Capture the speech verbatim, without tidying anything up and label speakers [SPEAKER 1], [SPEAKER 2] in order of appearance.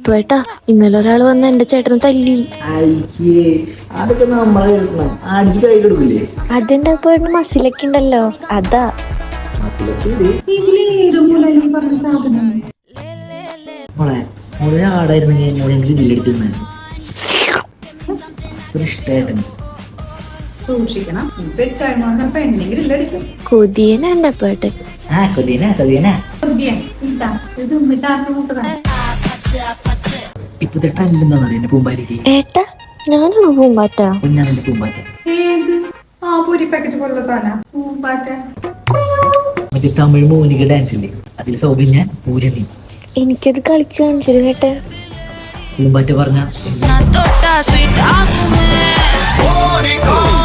[SPEAKER 1] അപ്പേട്ടാ ഇന്നലെ ഒരാൾ വന്ന് എന്റെ ചേട്ടനെ തല്ലി.
[SPEAKER 2] അതൊക്കെ നമ്മളെ അടിച്ച് കൈ കൊടുക്കില്ലേ?
[SPEAKER 1] അതിന്റെ അപ്പേട്ടന് മസിലൊക്കെ ഉണ്ടല്ലോ, അതാ.
[SPEAKER 2] മോളെ ആടായിരുന്നെങ്കിൽ എന്നോടെങ്കിലും ജില്ലെടുത്തിരുന്നു ഇഷ്ടമായിട്ടുണ്ട്.
[SPEAKER 3] സൂക്ഷിക്കണം, പെണ്ണെങ്കിലും ഇല്ലടിക്കും.
[SPEAKER 1] കൊതിയനാ എന്റെ അപ്പേട്ടൻ.
[SPEAKER 2] ആ കൊതിയനാ കൊതിയനാ ഇപ്പത്തെ ട്രെൻഡ് എന്താ പറയുക പൂമ്പാരിക്ക്?
[SPEAKER 1] ഏട്ടാ ഞാനാണോ പൂമ്പാറ്റ?
[SPEAKER 2] പൊന്നാണെന്റെ പൂമ്പാറ്റ.
[SPEAKER 3] ഏത്? ആ പൊരി പാക്കറ്റ് പോലുള്ള സാധനം പൂമ്പാറ്റ.
[SPEAKER 2] മറ്റേ തമിഴ് മോനിക ഡാൻസ് ഇല്ലേ, അതിൽ സൗബിൻ ഞാൻ പൂജ നീ.
[SPEAKER 1] എനിക്കത് കളിച്ചു കാണിച്ചു കേട്ടെ.
[SPEAKER 2] പൂമ്പാറ്റ പറഞ്ഞ